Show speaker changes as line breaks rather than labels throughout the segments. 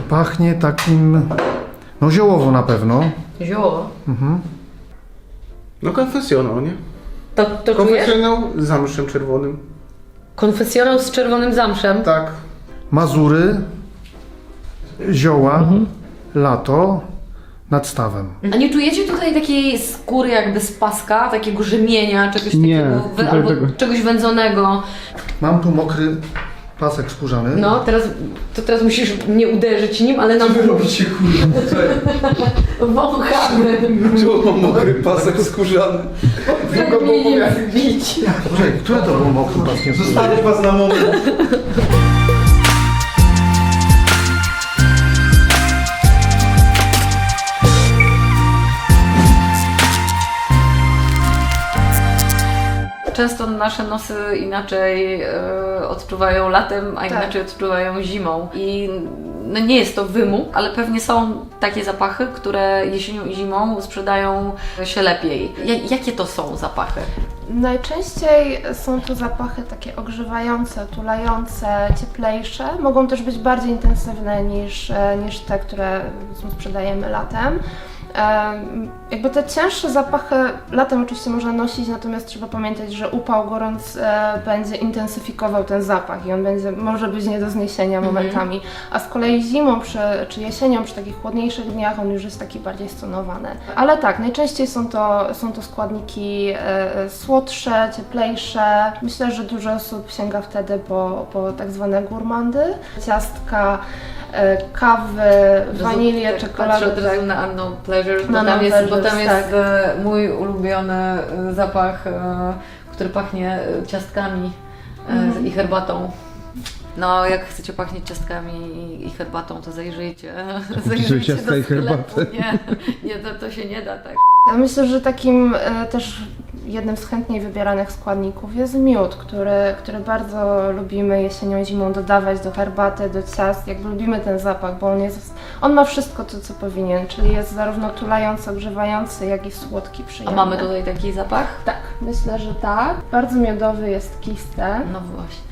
Pachnie takim, no ziołowo na pewno.
Zioło.
No konfesjonał, nie?
To czujesz?
Konfesjonał z zamszem czerwonym.
Konfesjonał z czerwonym zamszem.
Tak.
Mazury, zioła, lato nad stawem.
A nie czujecie tutaj takiej skóry jakby z paska, takiego rzemienia, czegoś
Nie,
takiego,
tutaj
albo
tego.
czegoś wędzonego?
Mam tu mokry pasek skórzany.
No, teraz musisz mnie uderzyć nim, ale nam
robicie kurwa?
wąchamy.
Czemu mam mokry pasek skórzany?
Jak mnie nie zbić.
Poczekaj, które to był mokry pasek?
Zostawić was na moment.
Często nasze nosy inaczej odczuwają latem, a
Tak.
inaczej odczuwają zimą. I no nie jest to wymóg, ale pewnie są takie zapachy, które jesienią i zimą sprzedają się lepiej. Jakie to są zapachy?
Najczęściej są to zapachy takie ogrzewające, tulające, cieplejsze. Mogą też być bardziej intensywne niż te, które sprzedajemy latem. Jakby te cięższe zapachy latem oczywiście można nosić, natomiast trzeba pamiętać, że upał, gorąc będzie intensyfikował ten zapach i on może być nie do zniesienia momentami. A z kolei zimą czy jesienią, przy takich chłodniejszych dniach on już jest taki bardziej stonowany. Ale tak, najczęściej są to składniki słodsze, cieplejsze. Myślę, że dużo osób sięga wtedy po tak zwane gourmandy, ciastka, kawy, wanilię, czekoladę.
Patrzę od razu na Unknown Pleasures, bo
Unknown
tam jest
Pleasures, tak.
mój ulubiony zapach, który pachnie ciastkami i herbatą. No, jak chcecie pachnieć ciastkami i herbatą, to zajrzyjcie
ciastka
do
i
sklepu.
herbatę.
Nie, to się nie da tak.
Ja myślę, że takim też jednym z chętniej wybieranych składników jest miód, który bardzo lubimy jesienią i zimą dodawać do herbaty, do ciast. Jakby lubimy ten zapach, bo on ma wszystko to, co powinien, czyli jest zarówno tulający, ogrzewający, jak i słodki,
A
przyjemny.
mamy tutaj taki zapach?
Tak, myślę, że tak. Bardzo miodowy jest kiste.
No właśnie.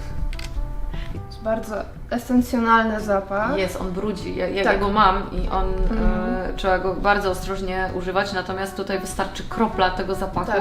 Jest bardzo esencjonalny zapach.
Jest, on brudzi. Ja
Tak.
go mam i on trzeba go bardzo ostrożnie używać, natomiast tutaj wystarczy kropla tego zapachu
Tak.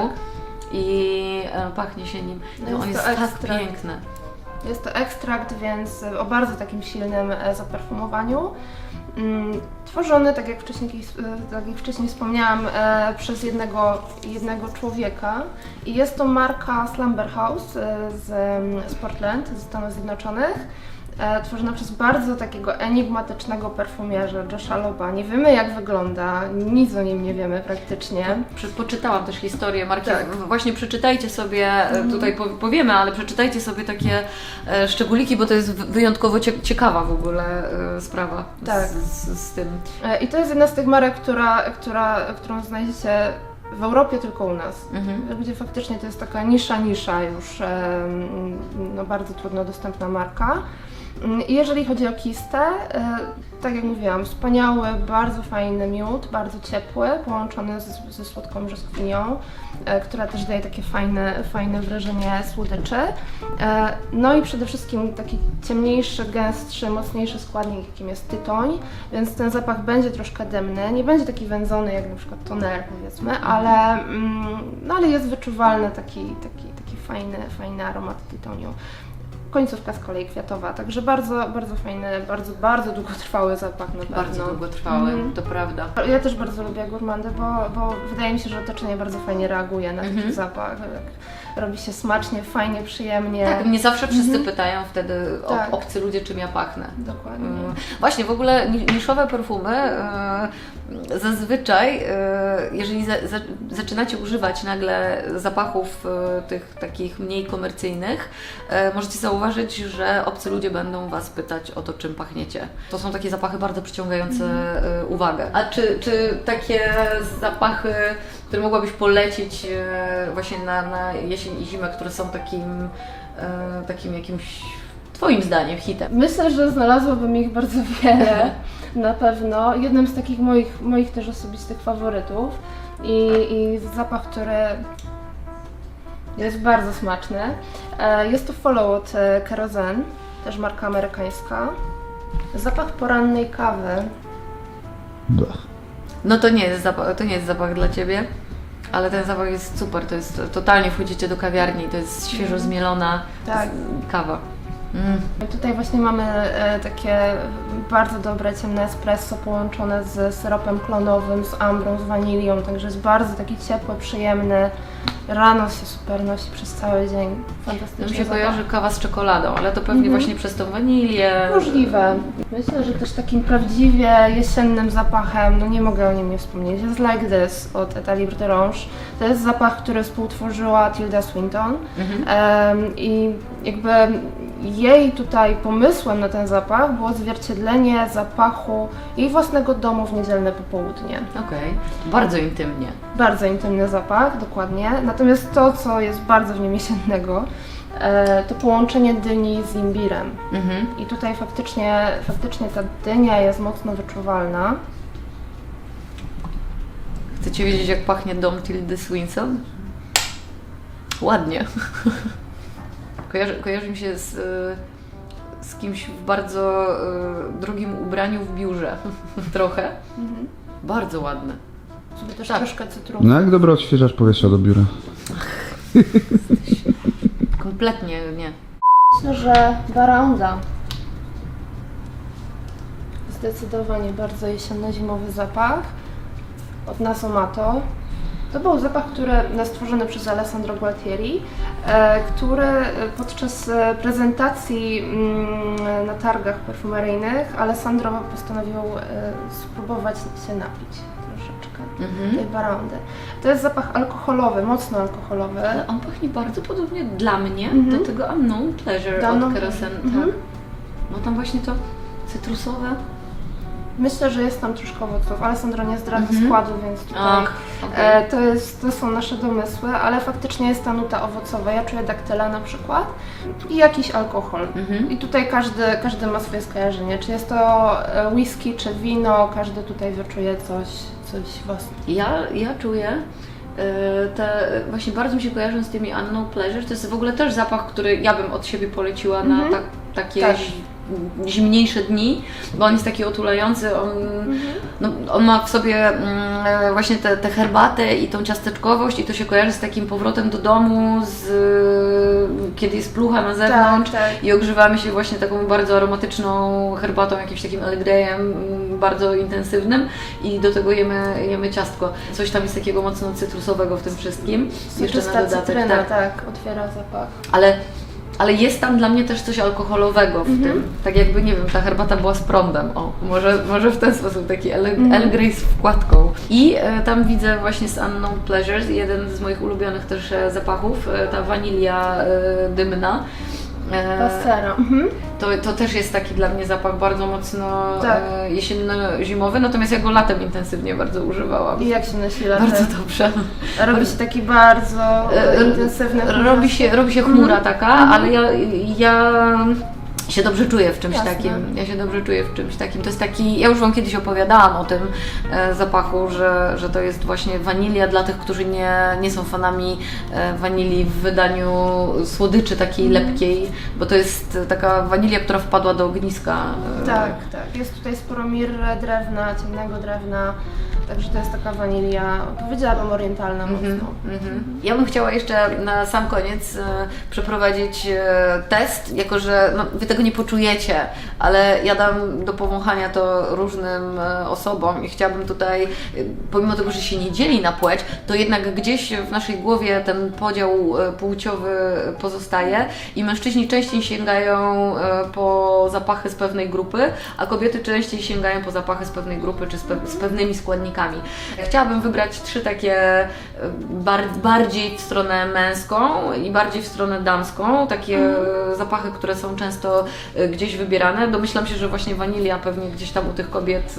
i pachnie się nim.
No
No, on
jest
jest
to
tak
ekstrakt.
piękny.
Jest to ekstrakt, więc o bardzo takim silnym zaperfumowaniu. Tworzony, tak jak wcześniej wspomniałam, przez jednego człowieka. I jest to marka Slumber House z Portland, ze Stanów Zjednoczonych. Tworzona przez bardzo takiego enigmatycznego perfumierza Josha Loba. Nie wiemy, jak wygląda, nic o nim nie wiemy praktycznie.
Poczytałam też historię marki.
Tak.
Właśnie przeczytajcie sobie, tutaj powiemy, ale przeczytajcie sobie takie szczególiki, bo to jest wyjątkowo ciekawa w ogóle sprawa
Tak.
z tym.
I to jest jedna z tych marek, którą znajdziecie w Europie, tylko u nas. Gdzie faktycznie to jest taka nisza już, no bardzo trudno dostępna marka. I jeżeli chodzi o kistę, tak jak mówiłam, wspaniały, bardzo fajny miód, bardzo ciepły, połączony ze słodką brzoskwinią, która też daje takie fajne wrażenie słodyczy. No i przede wszystkim taki ciemniejszy, gęstszy, mocniejszy składnik, jakim jest tytoń, więc ten zapach będzie troszkę dymny, nie będzie taki wędzony jak na przykład toner, powiedzmy, ale jest wyczuwalny taki fajny aromat tytoniu. Końcówka z kolei kwiatowa, także bardzo, bardzo fajny, bardzo długotrwały zapach na pewno.
Bardzo długotrwały, to prawda.
Ja też bardzo lubię gourmandy, bo wydaje mi się, że otoczenie bardzo fajnie reaguje na taki zapach. Robi się smacznie, fajnie, przyjemnie.
Tak, mnie zawsze wszyscy pytają wtedy
Tak.
obcy ludzie, czym ja pachnę.
Dokładnie.
Właśnie, w ogóle niszowe perfumy zazwyczaj, jeżeli zaczynacie używać nagle zapachów tych takich mniej komercyjnych, możecie zauważyć, że obcy ludzie będą Was pytać o to, czym pachniecie. To są takie zapachy bardzo przyciągające uwagę. A czy takie zapachy, które mogłabyś polecić właśnie na jesień i zimę, które są takim jakimś Twoim zdaniem hitem?
Myślę, że znalazłabym ich bardzo wiele, na pewno. Jednym z takich moich też osobistych faworytów i zapach, który jest bardzo smaczny. Jest to Follow od Kerosene, też marka amerykańska. Zapach porannej kawy.
No to nie jest zapach dla Ciebie, ale ten zapach jest super, to jest totalnie wchodzicie do kawiarni, to jest świeżo zmielona
Tak.
kawa.
Tutaj właśnie mamy takie bardzo dobre ciemne espresso połączone z syropem klonowym, z ambrą, z wanilią, także jest bardzo taki ciepły, przyjemny. Rano się super nosi przez cały dzień.
To mi
Fantastycznie.
się kojarzy kawa z czekoladą, ale to pewnie właśnie przez tą wanilię.
Możliwe. Myślę, że też takim prawdziwie jesiennym zapachem, no nie mogę o nim nie wspomnieć, jest Like This od Etat Libre d'Orange. To jest zapach, który współtworzyła Tilda Swinton i jakby jej tutaj pomysłem na ten zapach było odzwierciedlenie zapachu jej własnego domu w niedzielne popołudnie.
Okej, bardzo intymnie.
Bardzo intymny zapach, dokładnie. Natomiast to, co jest bardzo w nim jesiennego, to połączenie dyni z imbirem. I tutaj faktycznie ta dynia jest mocno wyczuwalna.
Chcecie wiedzieć, jak pachnie dom Tildy Swinton? Ładnie. Kojarzy mi się z kimś w bardzo drogim ubraniu w biurze. Trochę. Bardzo ładne.
Sobie też
Tak.
troszkę cytrusu.
No jak dobry odświeżacz powietrza do biura.
Kompletnie nie.
Myślę, że Baranda. Zdecydowanie bardzo jesienno-zimowy zapach od Nasomato. To był zapach, który stworzony przez Alessandro Gualtieri, który podczas prezentacji na targach perfumeryjnych Alessandro postanowił spróbować się napić troszeczkę tej Barandy. To jest zapach alkoholowy, mocno alkoholowy.
Ale on pachnie bardzo podobnie dla mnie do tego Unknown Pleasure
Do
od
Unknown
Kerosene.
Pleasure.
Tak. No tam właśnie to cytrusowe.
Myślę, że jest tam troszkę owoców. Alessandro nie zdradza składu, więc tutaj
Ach, okej.
to są nasze domysły, ale faktycznie jest ta nuta owocowa. Ja czuję daktylę na przykład i jakiś alkohol. I tutaj każdy ma swoje skojarzenie. Czy jest to whisky, czy wino, każdy tutaj wyczuje coś własnego.
Ja czuję właśnie bardzo mi się kojarzą z tymi Unknown Pleasure. To jest w ogóle też zapach, który ja bym od siebie poleciła na takie
Tak.
zimniejsze dni, bo on jest taki otulający, on ma w sobie właśnie tę herbatę i tą ciasteczkowość i to się kojarzy z takim powrotem do domu, kiedy jest plucha na zewnątrz
Tak.
i ogrzewamy się właśnie taką bardzo aromatyczną herbatą, jakimś takim Earl Greyem bardzo intensywnym i do tego jemy ciastko. Coś tam jest takiego mocno cytrusowego w tym wszystkim.
Soczysta cytryna, tak, otwiera zapach.
Ale jest tam dla mnie też coś alkoholowego w tym. Tak jakby, nie wiem, ta herbata była z prądem. O, może w ten sposób, taki Earl Grey z wkładką. I tam widzę właśnie z Unknown Pleasures, jeden z moich ulubionych też zapachów, ta wanilia dymna.
Pasera.
To też jest taki dla mnie zapach bardzo mocno
Tak.
jesienno-zimowy, natomiast ja go latem intensywnie bardzo używałam.
I jak się nosi latem?
Bardzo dobrze.
Robi się taki bardzo intensywny.
Robi się chmura taka, ale ja się dobrze czuję w czymś
Jasne.
takim. Ja się dobrze czuję w czymś takim. To jest taki, ja już Wam kiedyś opowiadałam o tym zapachu, że to jest właśnie wanilia dla tych, którzy nie są fanami wanilii w wydaniu słodyczy takiej lepkiej, bo to jest taka wanilia, która wpadła do ogniska.
Tak. Jest tutaj sporo mirry, drewna, ciemnego drewna, także to jest taka wanilia, powiedziałabym orientalna mocno.
Ja bym chciała jeszcze na sam koniec przeprowadzić test, jako że Wy tego nie poczujecie, ale ja dam do powąchania to różnym osobom i chciałabym tutaj, pomimo tego, że się nie dzieli na płeć, to jednak gdzieś w naszej głowie ten podział płciowy pozostaje i mężczyźni częściej sięgają po zapachy z pewnej grupy, a kobiety częściej sięgają po zapachy z pewnej grupy czy z pewnymi składnikami. Chciałabym wybrać 3 takie bardziej w stronę męską i bardziej w stronę damską, takie zapachy, które są często gdzieś wybierane. Domyślam się, że właśnie wanilia pewnie gdzieś tam u tych kobiet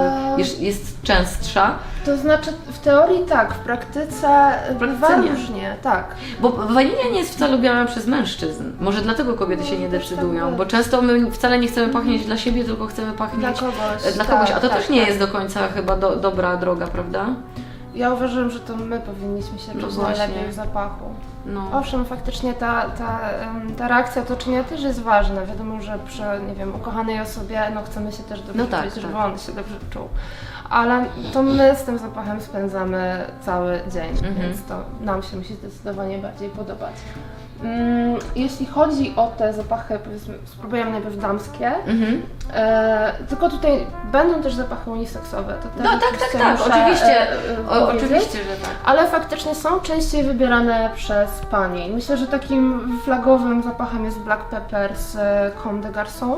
jest częstsza.
To znaczy w teorii tak, w praktyce bywa
nie.
różnie, tak.
Bo wanilia nie jest wcale lubiana przez mężczyzn. Może dlatego kobiety się nie decydują, bo często my wcale nie chcemy pachnieć dla siebie, tylko chcemy pachnieć
Dla kogoś,
dla kogoś. A to
tak,
też nie
tak.
jest do końca chyba dobra droga, prawda?
Ja uważam, że to my powinniśmy się
No
czuć
właśnie.
najlepiej w zapachu.
No.
Owszem, faktycznie ta reakcja otoczenia też jest ważna. Wiadomo, że przy, nie wiem, ukochanej osobie chcemy się też dobrze
No tak,
czuć, żeby
tak.
on się dobrze czuł. Ale to my z tym zapachem spędzamy cały dzień, więc to nam się musi zdecydowanie bardziej podobać. Jeśli chodzi o te zapachy, powiedzmy, spróbujemy najpierw damskie, tylko tutaj będą też zapachy uniseksowe. To też
No
oczywiście
tak,
muszę,
oczywiście.
powiedzieć.
Oczywiście, że tak.
Ale faktycznie są częściej wybierane przez panie. Myślę, że takim flagowym zapachem jest Black Pepper z Comme des Garçons,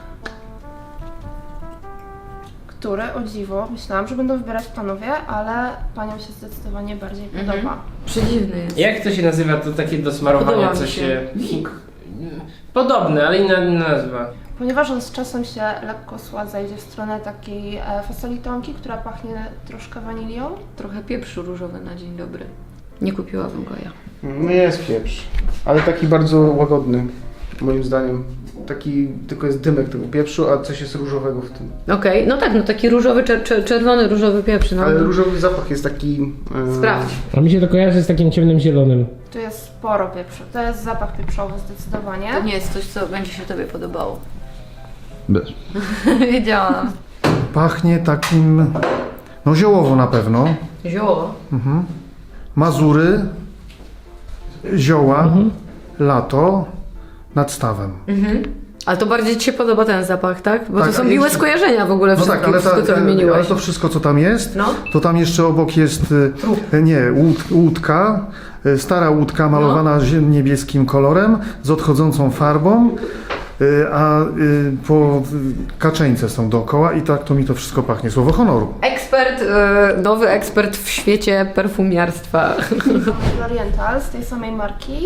który, o dziwo, myślałam, że będą wybierać panowie, ale paniom się zdecydowanie bardziej podoba.
Przedziwny jest.
Jak to się nazywa, to takie do smarowania,
Podoba mi
co
się.
się... Podobne, ale inna nazwa.
Ponieważ on z czasem się lekko sładza, idzie w stronę takiej fasolitonki, która pachnie troszkę wanilią.
Trochę pieprzu różowy na dzień dobry. Nie kupiłabym go ja.
No jest pieprz, ale taki bardzo łagodny, moim zdaniem. Taki tylko jest dymek tego pieprzu, a coś jest różowego w tym.
Okej, no tak, no taki różowy, czerwony różowy pieprz. No.
Ale różowy zapach jest taki...
Sprawdź.
A mi się to kojarzy z takim ciemnym zielonym.
Tu jest sporo pieprzu. To jest zapach pieprzowy zdecydowanie.
To nie jest coś, co będzie się Tobie podobało.
Bez.
Wiedziałam.
Pachnie takim, no ziołowo na pewno.
Zioło.
Mazury, zioła, lato, nad stawem.
Ale to bardziej Ci się podoba ten zapach, tak? Bo
Tak,
to są
ale
miłe
jeszcze-
skojarzenia w ogóle
No tak, ale,
wszystko, co
ale
wymieniłeś.
to wszystko, co tam jest,
No.
to tam jeszcze obok jest, łódka, stara łódka malowana niebieskim kolorem, z odchodzącą farbą, a kaczeńce są dookoła i tak to mi to wszystko pachnie. Słowo honoru.
Ekspert, nowy ekspert w świecie perfumiarstwa.
Oriental z tej samej marki.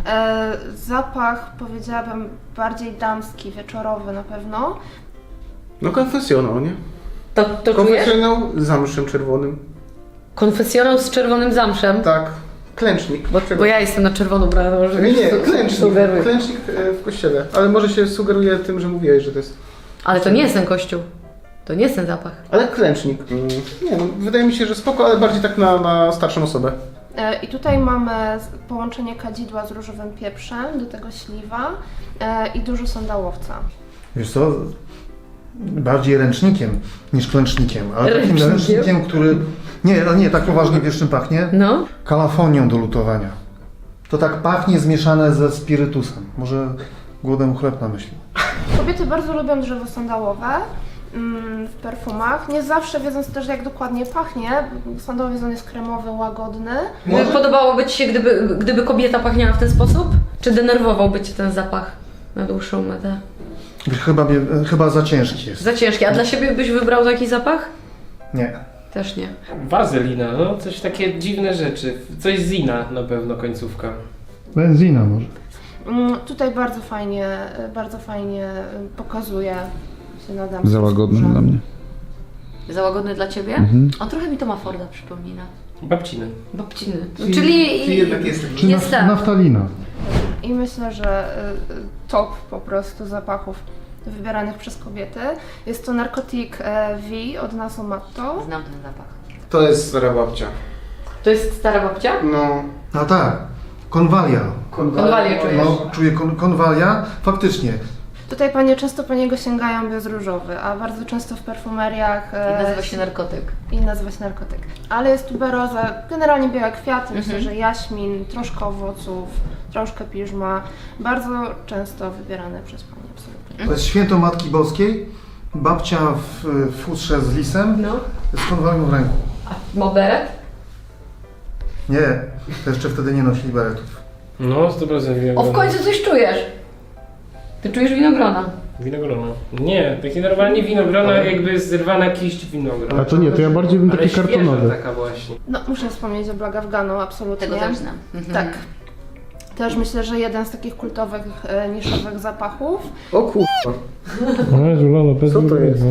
Zapach, powiedziałabym, bardziej damski, wieczorowy na pewno.
No konfesjonał, nie?
To czujesz?
Konfesjonał z zamszem czerwonym.
Konfesjonał z czerwonym zamszem.
Tak, klęcznik.
Bo ja jestem na czerwono brana, może
Nie,
wiesz, co
klęcznik.
sugeruję.
Klęcznik w kościele. Ale może się sugeruje tym, że mówiłeś, że to jest...
Ale to nie jest ten kościół. To nie jest ten zapach.
Ale klęcznik. Nie no, wydaje mi się, że spoko, ale bardziej tak na starszą osobę.
I tutaj mamy połączenie kadzidła z różowym pieprzem, do tego śliwa i dużo sandałowca.
Wiesz co, bardziej ręcznikiem niż klęcznikiem, ale takim
Ręcznikiem?
ręcznikiem, który... Nie, tak poważnie wiesz czym pachnie?
No.
Kalafonią do lutowania. To tak pachnie zmieszane ze spirytusem. Może głodem chleb na myśli.
Kobiety bardzo lubią drzewo sandałowe w perfumach. Nie zawsze wiedząc też, jak dokładnie pachnie. Sandałowy jest kremowy, łagodny.
Podobałoby Ci się, gdyby kobieta pachniała w ten sposób? Czy denerwowałby Cię ten zapach na dłuższą metę?
Chyba za ciężki jest.
Za ciężki. A dla siebie byś wybrał taki zapach?
Nie.
Też nie.
Wazelina, no coś takie dziwne rzeczy. Coś z Zina na pewno końcówka.
Benzina może.
Tutaj bardzo fajnie pokazuje się na damskiej
Za łagodny
skórze.
dla mnie.
Za łagodny dla Ciebie? On trochę mi Toma Forda przypomina.
Babciny.
Babciny. Czyli
jednak jest taki.
Czy
jest ten.
naftalina.
I myślę, że top po prostu zapachów wybieranych przez kobiety. Jest to Narcotic V od Nasomatto.
Znam ten zapach.
To jest stara babcia.
To jest stara babcia?
No.
A tak, konwalia.
Konwalię czujesz?
No, czuję konwalia. Faktycznie.
Tutaj panie często po niego sięgają, bo jest różowy, a bardzo często w perfumeriach
I nazywa się narkotyk.
narkotyk. Ale jest tuberoza, generalnie białe kwiaty, myślę, że jaśmin, troszkę owoców, troszkę piżma. Bardzo często wybierane przez panie, absolutnie.
To jest święto Matki Boskiej. Babcia w futrze z lisem,
No.
z konwalią w ręku.
A ma beret?
Nie, to jeszcze wtedy nie nosili beretów.
No, 100% winogrona.
O, w końcu coś czujesz. Ty czujesz winogrona.
Winogrona. Nie, takie normalnie winogrona, jakby zerwana kiść winogrona.
A to nie, to ja bardziej bym
Ale
taki
świeża
kartonowy.
taka właśnie.
No, muszę wspomnieć o Black Afghanu, absolutnie.
Tego też znam.
Tak. Też myślę, że jeden z takich kultowych, niszowych zapachów.
O kurwa.
No, żulono, bez
Co to jest?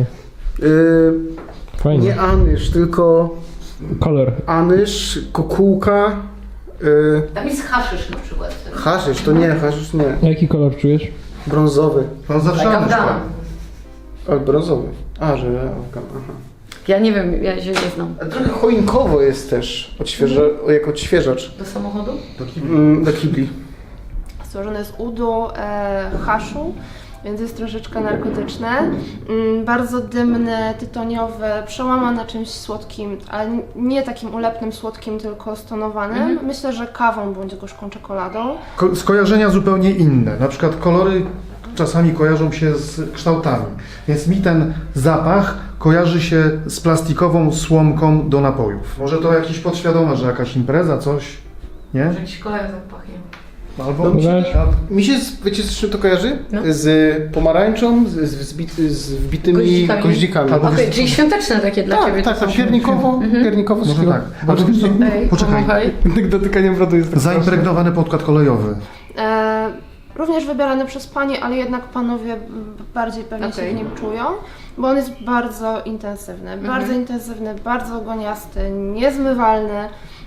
Fajnie.
Nie anyż, tylko
Kolor.
anyż, kukułka,
Tam jest haszysz na przykład.
haszysz, to nie, haszysz nie.
A jaki kolor czujesz?
Brązowy.
On zawsze
Taka
na
wdana.
przykład.
Ale brązowy. A, że Afgan, aha.
Ja nie wiem, ja się nie znam.
A trochę choinkowo jest też, jako odświeżacz
Do samochodu?
do kibli.
Stworzone z udu, haszu, więc jest troszeczkę narkotyczne. Bardzo dymny, tytoniowy, przełamane czymś słodkim, ale nie takim ulepnym słodkim, tylko stonowanym. Myślę, że kawą bądź gorzką czekoladą.
Skojarzenia zupełnie inne. Na przykład kolory czasami kojarzą się z kształtami. Więc mi ten zapach kojarzy się z plastikową słomką do napojów. Może to jakieś podświadome, że jakaś impreza, coś, nie?
Jakiś kolega zapachiem.
Albo
Mi się, wiecie z czym to kojarzy?
No.
Z pomarańczą, z wbitymi goździkami.
Albo
Okej, czyli świąteczne takie dla Ciebie.
Tak,
to
tak,
są.
piernikowo
Może
szkło.
tak. Albo wiesz co?
Ej,
Poczekaj.
pomachaj.
Tak dotykaniem brodu jest tak
Zaimpregnowany podkład kolejowy.
Również wybierany przez panie, ale jednak panowie bardziej pewnie się w nim czują, bo on jest bardzo intensywny, bardzo goniasty, niezmywalny.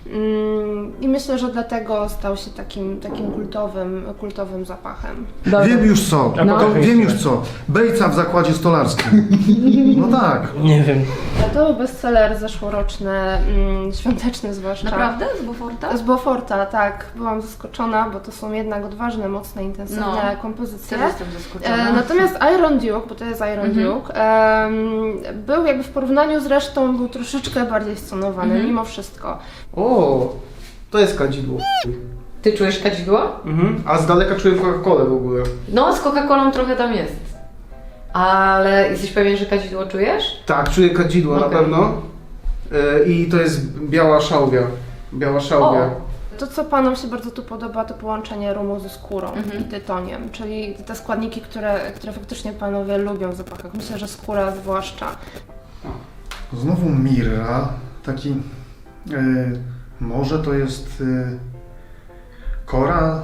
I myślę, że dlatego stał się takim kultowym zapachem.
Wiem już co. Wiem już co. Bejca w zakładzie stolarskim. No tak.
Nie wiem.
To był bestseller zeszłoroczny, świąteczny zwłaszcza.
Naprawdę? Z Beauforta?
Z Beauforta, tak. Byłam zaskoczona, bo to są jednak odważne, mocne, intensywne kompozycje.
Też jestem zaskoczona.
Natomiast Iron Duke, bo to jest Iron Duke, był jakby w porównaniu z resztą, był troszeczkę bardziej stonowany, mimo wszystko.
O, to jest kadzidło.
Ty czujesz kadzidło?
A z daleka czuję Coca-Colę w ogóle.
No, z Coca-Colą trochę tam jest. Ale jesteś pewien, że kadzidło czujesz?
Tak, czuję kadzidło na
Okej.
pewno. I to jest biała szałwia. Biała szałwia.
To, co panom się bardzo tu podoba, to połączenie rumu ze skórą i tytoniem, czyli te składniki, które faktycznie panowie lubią w zapachach. Myślę, że skóra zwłaszcza.
Znowu mirra. Taki... może to jest... kora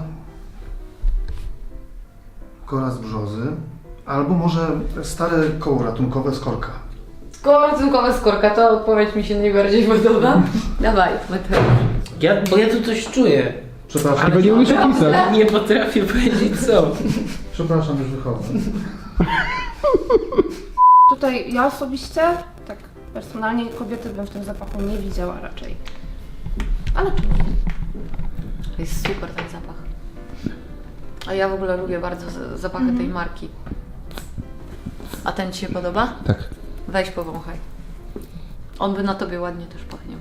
z brzozy. Albo może stare koło ratunkowe z korka.
Ratunkowa skórka, to odpowiedź mi się najbardziej podoba. Dawaj, Mateusz.
Bo ja tu coś czuję.
Przepraszam,
nie umiesz opisać.
Nie potrafię powiedzieć co.
przepraszam, już wychodzę.
Tutaj ja osobiście, tak personalnie, kobiety bym w tym zapachu nie widziała raczej. Ale czemu nie?
To jest super ten zapach. A ja w ogóle lubię bardzo zapachy tej marki. A ten Ci się podoba?
Tak.
Weź powąchaj. On by na Tobie ładnie też pachniał.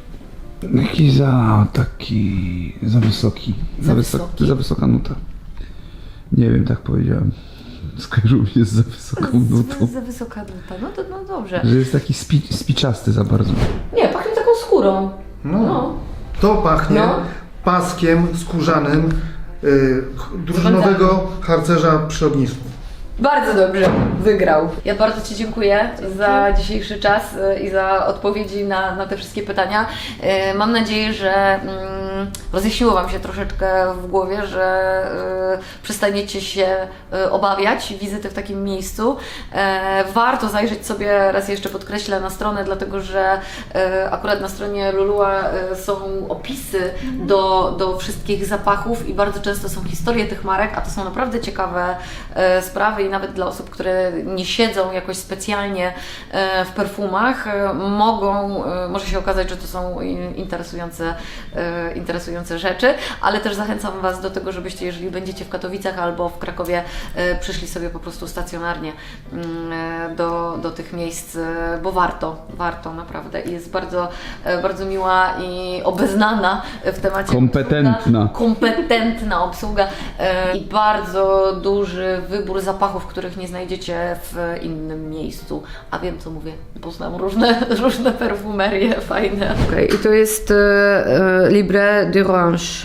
Taki za wysoki.
Za wysoki?
Za wysoka nuta. Nie wiem, tak powiedziałem. Skojarzył mi się z za wysoką nutą.
Za wysoka nuta, no dobrze.
Że jest taki spiczasty za bardzo.
Nie, pachnie taką skórą. No.
To pachnie
No.
paskiem skórzanym drużynowego harcerza przy ognisku.
Bardzo dobrze, wygrał. Ja bardzo Ci dziękuję za dzisiejszy czas i za odpowiedzi na te wszystkie pytania. Mam nadzieję, że rozjaśniło Wam się troszeczkę w głowie, że przestaniecie się obawiać wizyty w takim miejscu. Warto zajrzeć sobie, raz jeszcze podkreślę, na stronę, dlatego że akurat na stronie Lulua są opisy do wszystkich zapachów i bardzo często są historie tych marek, a to są naprawdę ciekawe sprawy i nawet dla osób, które nie siedzą jakoś specjalnie w perfumach, może się okazać, że to są interesujące rzeczy, ale też zachęcam Was do tego, żebyście, jeżeli będziecie w Katowicach albo w Krakowie, przyszli sobie po prostu stacjonarnie do tych miejsc, bo warto naprawdę i jest bardzo, bardzo miła i obeznana w temacie kompetentna obsługa i bardzo duży wybór zapachów, których nie znajdziecie w innym miejscu. A wiem, co mówię, bo znam różne perfumerie fajne. Okej, i to jest Libre d'Orange.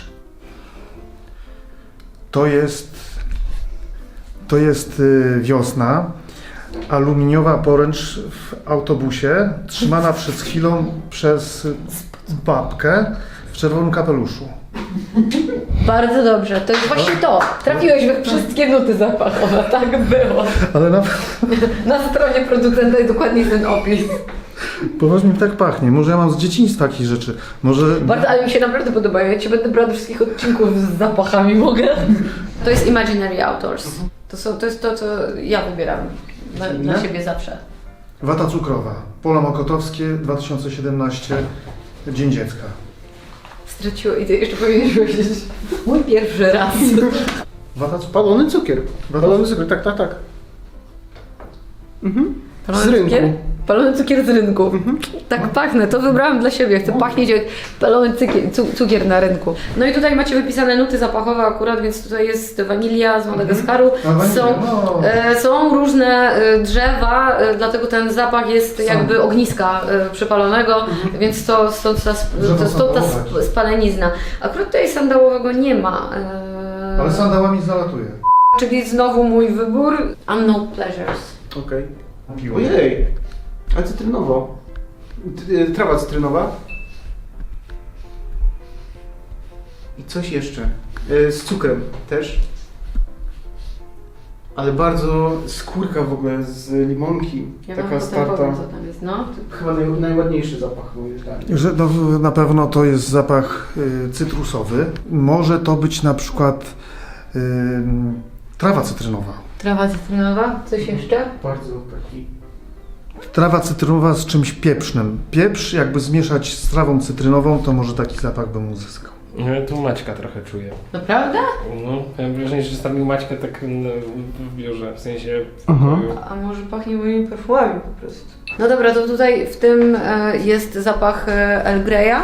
To jest wiosna. Aluminiowa poręcz w autobusie, trzymana przez chwilę przez babkę w czerwonym kapeluszu.
Bardzo dobrze, to jest właśnie to. Trafiłeś we wszystkie nuty zapachowe, tak było.
Ale
Na stronie producenta jest dokładnie ten opis.
poważnie mi tak pachnie. Może ja mam z dzieciństwa takich rzeczy. Może...
Bardzo, ale mi się naprawdę podobają. Ja Ci będę brała do wszystkich odcinków z zapachami, mogę? To jest Imaginary Outdoors. To jest to, co ja wybieram dla siebie zawsze.
Wata cukrowa. Pola Mokotowskie, 2017, Dzień Dziecka.
Straciło i ty jeszcze powinieneś powiedzieć mój pierwszy raz.
Wata cukrowa.
Palony cukier.
Wata
Palony cukier, tak, tak, tak. Mhm. Z
Palony
rynku.
cukier? Palony cukier z rynku. Tak pachnę, to wybrałam dla siebie. Chcę pachnieć jak palony cukier na rynku. No i tutaj macie wypisane nuty zapachowe akurat, więc tutaj jest wanilia z Madagaskaru.
A, wanilia, no.
Są różne drzewa, dlatego ten zapach jest jakby ogniska przypalonego, więc to stąd ta
sandałowe.
spalenizna. Akurat tutaj sandałowego nie ma.
Ale sandałami zalatuje.
Czyli znowu mój wybór. Unknown Pleasures.
Okej.
Piło.
Ojej, ale cytrynowo. Trawa cytrynowa. I coś jeszcze. Z cukrem też. Ale bardzo skórka w ogóle z limonki.
Ja wam
taka
potem
starta.
powiem, co tam jest. No.
Chyba najładniejszy zapach moim zdaniem.
Że no, na pewno to jest zapach cytrusowy. Może to być na przykład trawa cytrynowa.
Trawa cytrynowa, coś jeszcze?
Bardzo taki.
Trawa cytrynowa z czymś pieprznym. Pieprz jakby zmieszać z trawą cytrynową, to może taki zapach bym uzyskał.
No, tu Maćka trochę czuję.
Naprawdę?
No, mam wrażenie, że zostawił Maćkę tak w biurze, w sensie w
Aha.
pokoju.
A może pachnie moimi perfumami po prostu. No dobra, to tutaj w tym jest zapach Earl Greya.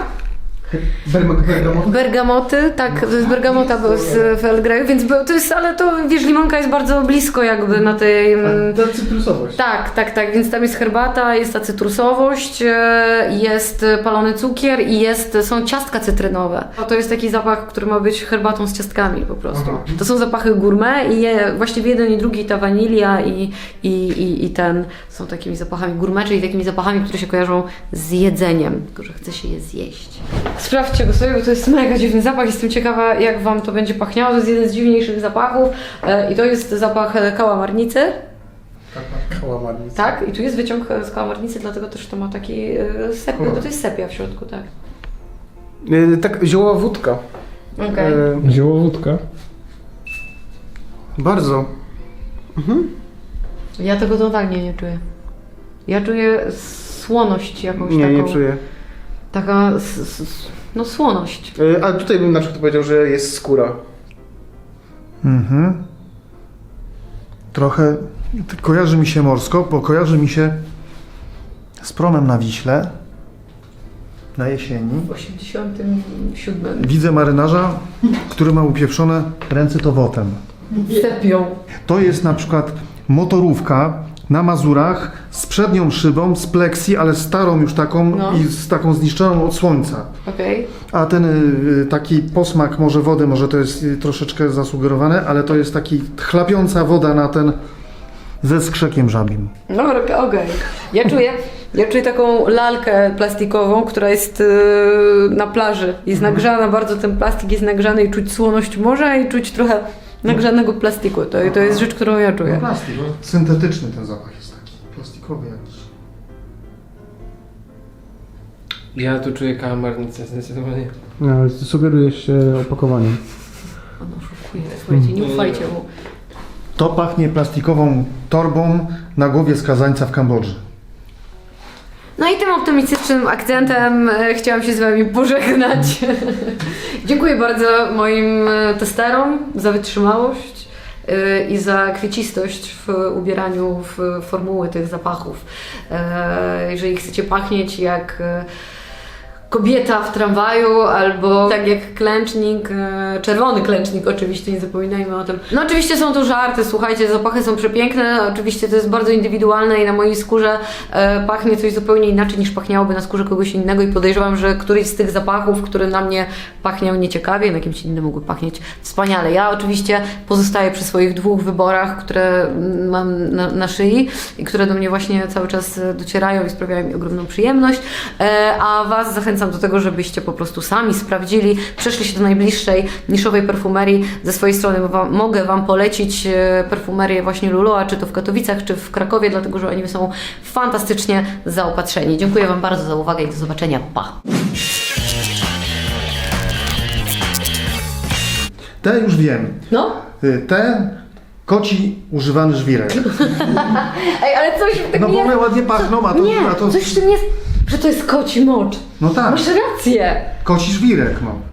Bergamoty, tak, to jest bergamota w Earl Greyu, więc to jest, ale to wiesz, limonka jest bardzo blisko jakby na tej...
Ta cytrusowość.
Tak, więc tam jest herbata, jest ta cytrusowość, jest palony cukier i są ciastka cytrynowe. To jest taki zapach, który ma być herbatą z ciastkami po prostu.
Aha.
To są zapachy gourmet i właściwie jeden i drugi, ta wanilia i ten są takimi zapachami gourmet, czyli takimi zapachami, które się kojarzą z jedzeniem, tylko że chce się je zjeść. Sprawdźcie go sobie, bo to jest mega dziwny zapach. Jestem ciekawa, jak Wam to będzie pachniało. To jest jeden z dziwniejszych zapachów i to jest zapach kałamarnicy.
Kałamarnica.
Tak, i tu jest wyciąg z kałamarnicy, dlatego też to ma taki sepia, bo to jest sepia w środku, tak.
Tak, ziołowa wódka.
Okej.
Ziołowódka.
Bardzo.
Ja tego totalnie nie czuję. Ja czuję słoność jakąś
Nie,
taką.
nie czuję.
Taka, no słoność.
Ale tutaj bym na przykład powiedział, że jest skóra.
Mhm. Trochę kojarzy mi się morsko, bo kojarzy mi się z promem na Wiśle na jesieni.
W 87.
Widzę marynarza, który ma upieprzone ręce towotem.
Sepią.
To jest na przykład motorówka na Mazurach z przednią szybą, z pleksji, ale starą już taką
No.
i z taką zniszczoną od słońca.
Okej.
A ten taki posmak może wody, może to jest troszeczkę zasugerowane, ale to jest taki chlapiąca woda na ten ze skrzekiem żabim.
No okej. Ja czuję taką lalkę plastikową, która jest na plaży. Jest nagrzana, bardzo ten plastik jest nagrzany i czuć słoność morza i czuć trochę nagrzanego plastiku. To jest rzecz, którą ja czuję.
Plastik, no. Syntetyczny ten zapach jest taki, plastikowy jakiś.
Ja tu czuję kałamarnicę zdecydowanie.
No, ale sugeruje się opakowaniem.
On oszukuje, słuchajcie, nie ufajcie mu.
To pachnie plastikową torbą na głowie skazańca w Kambodży.
No i tym optymistycznym akcentem chciałam się z Wami pożegnać. Dziękuję bardzo moim testerom za wytrzymałość i za kwiecistość w ubieraniu w formuły tych zapachów. Jeżeli chcecie pachnieć jak kobieta w tramwaju, albo tak jak klęcznik, czerwony klęcznik oczywiście, nie zapominajmy o tym. No oczywiście są to żarty, słuchajcie, zapachy są przepiękne, oczywiście to jest bardzo indywidualne i na mojej skórze pachnie coś zupełnie inaczej niż pachniałoby na skórze kogoś innego i podejrzewam, że któryś z tych zapachów, który na mnie pachniał nieciekawie, na kimś innym mógłby pachnieć wspaniale. Ja oczywiście pozostaję przy swoich dwóch wyborach, które mam na szyi i które do mnie właśnie cały czas docierają i sprawiają mi ogromną przyjemność, a Was zachęcam do tego, żebyście po prostu sami sprawdzili, przeszli się do najbliższej niszowej perfumerii. Ze swojej strony mogę Wam polecić perfumerię właśnie Lulua, czy to w Katowicach, czy w Krakowie, dlatego że oni są fantastycznie zaopatrzeni. Dziękuję Wam bardzo za uwagę i do zobaczenia. Pa!
Te już wiem.
No,
Te Koci używany żwirek.
Ej, ale coś w tym
No bo
jest...
one ładnie pachną, a to...
Nie,
a to
coś w tym jest, że to jest koci mocz.
no tak,
Masz rację.
koci żwirek, no.